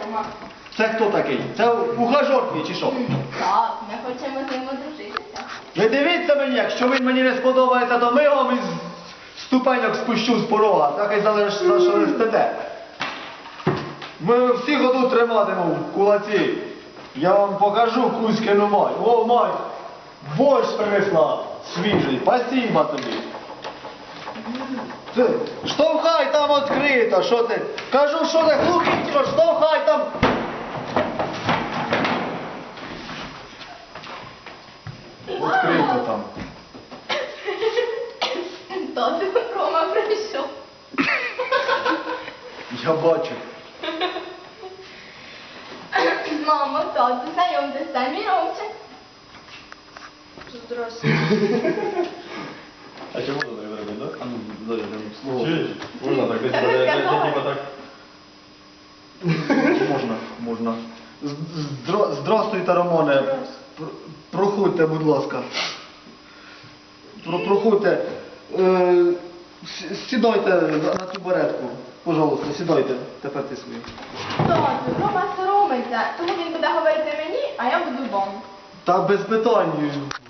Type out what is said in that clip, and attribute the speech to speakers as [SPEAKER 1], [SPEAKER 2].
[SPEAKER 1] Рома.
[SPEAKER 2] Це хто такий? Це ухажор твій чи що?
[SPEAKER 1] Так, ми хочемо з ним одружитися.
[SPEAKER 2] Ви дивіться мені, якщо він мені не сподобається, то ми його із ступеньок спущу з порога, так і залиш, за що не стете. Ми всі году триматимемо в кулаці. Я вам покажу Кузькину мать. О, мать, борщ принесла свіжий, спасибо тобі. Ти, штовхай там відкрито, що ти? Кажу, що ти глухий, що штовхай там. Відкрито там.
[SPEAKER 1] Тату, Рома прийшов.
[SPEAKER 2] Я бачу.
[SPEAKER 1] Мамо, тату, знайомтесь, це мій Ромчик. Здравствуйте.
[SPEAKER 3] А чому можна так робити, да?
[SPEAKER 2] А ну, дай я там слово.
[SPEAKER 3] Чуєш? Можна так, десь
[SPEAKER 1] Я не сказала.
[SPEAKER 3] типа так.
[SPEAKER 2] Можна. Здравствуйте, Романе. Проходьте, будь ласка. Проходьте. Сідайте на цю беретку. Пожалуйста, сідайте. Тепер ти свої.
[SPEAKER 1] Тату, Рома соромиться, тому він буде говорити мені, а я буду вам.
[SPEAKER 2] Та без питань.